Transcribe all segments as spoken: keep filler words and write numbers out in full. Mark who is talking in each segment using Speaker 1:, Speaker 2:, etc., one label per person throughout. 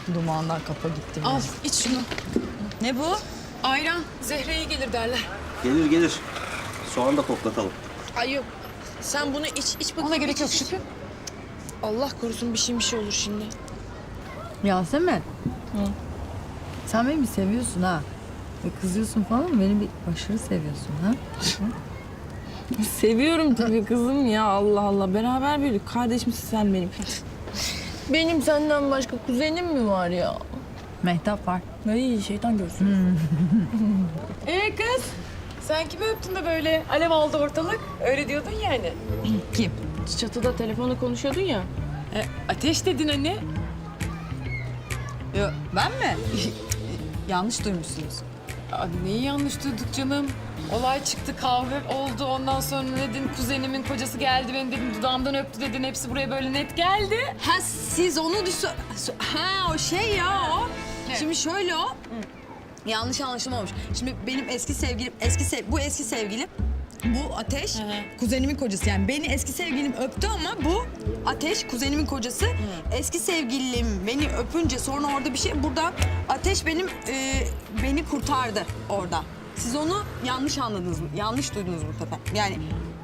Speaker 1: Dumandan kafa gitti.
Speaker 2: Al iç şunu.
Speaker 1: Ne bu?
Speaker 2: Ayran Zehre'ye gelir derler.
Speaker 3: Gelir gelir. Soğan da koklatalım.
Speaker 2: Ay yok. Sen bunu iç, iç bakayım.
Speaker 1: Ona gerek
Speaker 2: iç,
Speaker 1: yok
Speaker 2: iç.
Speaker 1: Şükrü.
Speaker 2: Allah korusun bir şey bir şey olur şimdi.
Speaker 1: Yasemin. Hı. Sen beni bir seviyorsun ha. Ve kızıyorsun falan ama beni bir aşırı seviyorsun ha.
Speaker 4: Seviyorum tabii kızım ya, Allah Allah. Beraber büyüdük. Kardeşimsin sen benim. Benim senden başka kuzenim mi var ya?
Speaker 1: Mehtap var.
Speaker 4: Ay şeytan görsün.
Speaker 2: Ee kız, sen kimi öptün de böyle alev aldı ortalık? Öyle diyordun yani.
Speaker 1: Kim?
Speaker 4: Çatıda telefonla konuşuyordun ya.
Speaker 2: E, ateş dedin anne.
Speaker 1: Yo, ben mi? Yanlış duymuşsunuz.
Speaker 2: Aa, neyi yanlış duyduk canım? Olay çıktı, kavga oldu. Ondan sonra ne dedin? Kuzenimin kocası geldi, beni dedin dudağımdan öptü dedin. Hepsi buraya böyle net geldi.
Speaker 1: Ha siz onu düşün... Ha o şey ya o.
Speaker 2: Ne?
Speaker 1: Şimdi şöyle o. Yanlış anlaşılma olmuş. Şimdi benim eski sevgilim, eski sev bu eski sevgilim. Bu Ateş, kuzenimin kocası. Yani beni eski sevgilim öptü ama bu Ateş, kuzenimin kocası. Eski sevgilim beni öpünce sonra orada bir şey... Burada Ateş benim, e, beni kurtardı orada. Siz onu yanlış anladınız mı? Yanlış duydunuz bu sefer. Yani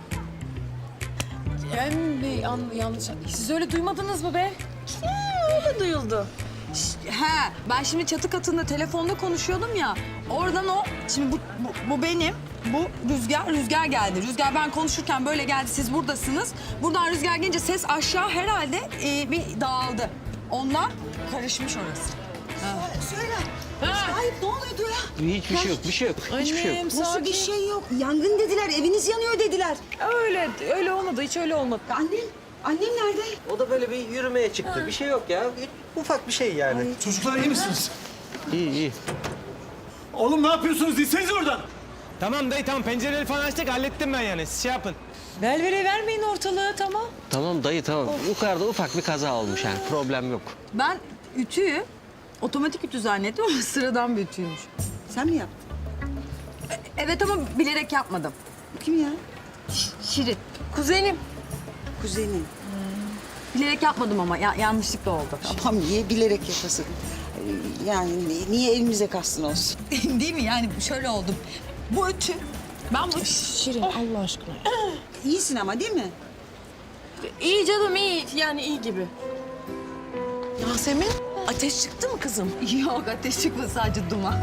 Speaker 2: Ben bir an, yanlış... Siz öyle duymadınız mı be?
Speaker 4: Öyle duyuldu.
Speaker 1: he, ben şimdi çatı katında telefonda konuşuyordum ya. Oradan o, şimdi bu, bu, bu benim, bu Rüzgar, Rüzgar geldi. Rüzgar ben konuşurken böyle geldi, siz buradasınız. Buradan Rüzgar gelince ses aşağı herhalde e, bir dağıldı. Ondan karışmış orası.
Speaker 5: Söyle. Sahip ne oluyordu ya?
Speaker 3: Hiçbir şey yok, bir şey yok. Hiçbir şey yok.
Speaker 2: Annem
Speaker 5: Nasıl
Speaker 2: sakin.
Speaker 5: bir şey yok? Yangın dediler, eviniz yanıyor dediler.
Speaker 2: Öyle, öyle olmadı. Hiç öyle olmadı.
Speaker 5: Annem, annem nerede?
Speaker 3: O da böyle bir yürümeye çıktı. Bir şey yok ya. Ufak bir şey yani.
Speaker 6: Çocuklar iyi misiniz?
Speaker 3: İyi iyi.
Speaker 6: Oğlum ne yapıyorsunuz? İnsenize oradan.
Speaker 7: Tamam dayı tamam, pencereleri falan açtık, hallettim ben yani. Siz şey yapın.
Speaker 2: Velvere vermeyin ortalığı, tamam.
Speaker 3: Tamam dayı tamam. Yukarıda ufak bir kaza olmuş yani. Problem yok.
Speaker 1: Ben ütüyü otomatik ütü zannettim ama sıradan bir ütüymüş.
Speaker 5: Sen mi yaptın?
Speaker 1: Evet ama bilerek yapmadım.
Speaker 5: Kim ya?
Speaker 1: Şirin.
Speaker 2: Kuzenim.
Speaker 5: Kuzenin.
Speaker 1: Bilerek yapmadım ama ya, yanlışlıkla oldu.
Speaker 5: Tamam niye bilerek yapasın? Ee, Yani niye elimize kastın olsun?
Speaker 1: Değil mi? Yani şöyle oldu. Bu ütü, ben bu...
Speaker 4: Şirin Allah aşkına.
Speaker 5: İyisin ama değil mi?
Speaker 4: İyi canım iyi. Yani iyi gibi.
Speaker 2: Yasemin, ateş çıktı mı kızım?
Speaker 1: Yok ateş çıkmadı, sadece duman.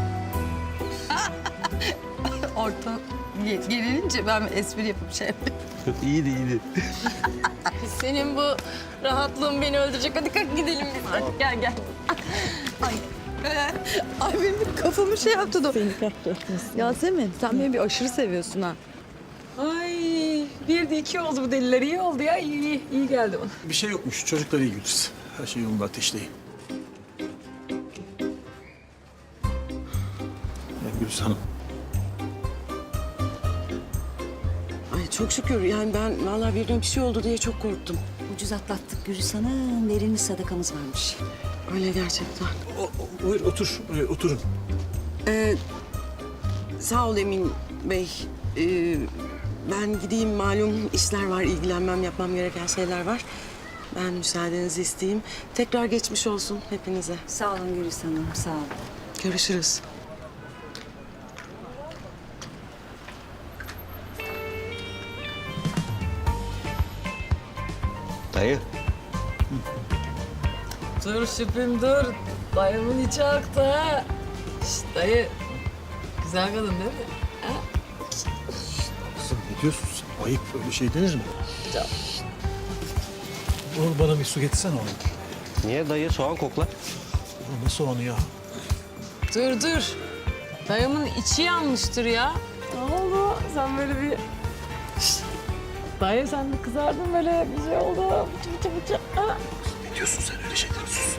Speaker 1: Orta ge- gerilince ben bir espri yapıp şey yapayım.
Speaker 3: iyiydi iyiydi.
Speaker 4: Senin bu rahatlığın beni öldürecek. Hadi kalk gidelim biz artık. Gel gel.
Speaker 1: Ay, ee, ay benim kafamı şey yaptı da.
Speaker 4: Seni kahretmesin.
Speaker 1: Yasemin sen beni bir aşırı seviyorsun ha.
Speaker 2: Ay, bir de iki oldu bu deliler. İyi oldu ya. İyi, iyi, iyi geldi bana.
Speaker 6: Bir şey yokmuş. Çocuklar iyi Güliz. Her şey yolunda, ateşteyim. Ya Güliz Hanım.
Speaker 8: Ay çok şükür yani ben vallahi birden bir şey oldu diye çok korktum.
Speaker 5: Ucuz atlattık Gürüz Hanım. Verilmiş sadakamız varmış.
Speaker 8: Öyle gerçekten.
Speaker 6: O, o, buyur otur. Ee, oturun.
Speaker 8: Ee, sağ ol Emin Bey. Ee, ben gideyim, malum işler var, ilgilenmem, yapmam gereken şeyler var. Ben müsaadenizi isteyeyim. Tekrar geçmiş olsun hepinize.
Speaker 5: Sağ olun Gürüz Hanım, sağ olun.
Speaker 8: Görüşürüz.
Speaker 3: Dayı.
Speaker 2: Dur şüphem dur. Dayımın içi aktı ha. Şişt dayı. Güzel kadın değil mi?
Speaker 6: Kızım ne diyorsun sen? Ayıp, öyle şey denir mi? Oğlum bana bir su getirsene oğlum.
Speaker 3: Niye dayı soğan kokla?
Speaker 6: Oğlum ne soğanı ya?
Speaker 2: Dur dur. Dayımın içi yanmıştır ya. Ne oldu? Sen böyle bir... Şişt. Dayı sen de kızardın böyle bir şey oldu. Bıçı bıçı bıçı. Ha?
Speaker 6: Ne diyorsun sen öyle şeyleri? Sus.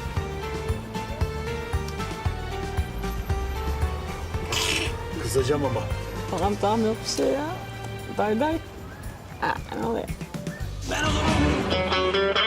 Speaker 6: Kızacağım ama.
Speaker 2: Tamam tamam yok bir şey ya. Day day. Ha, ne oluyor?
Speaker 6: Ben o zaman...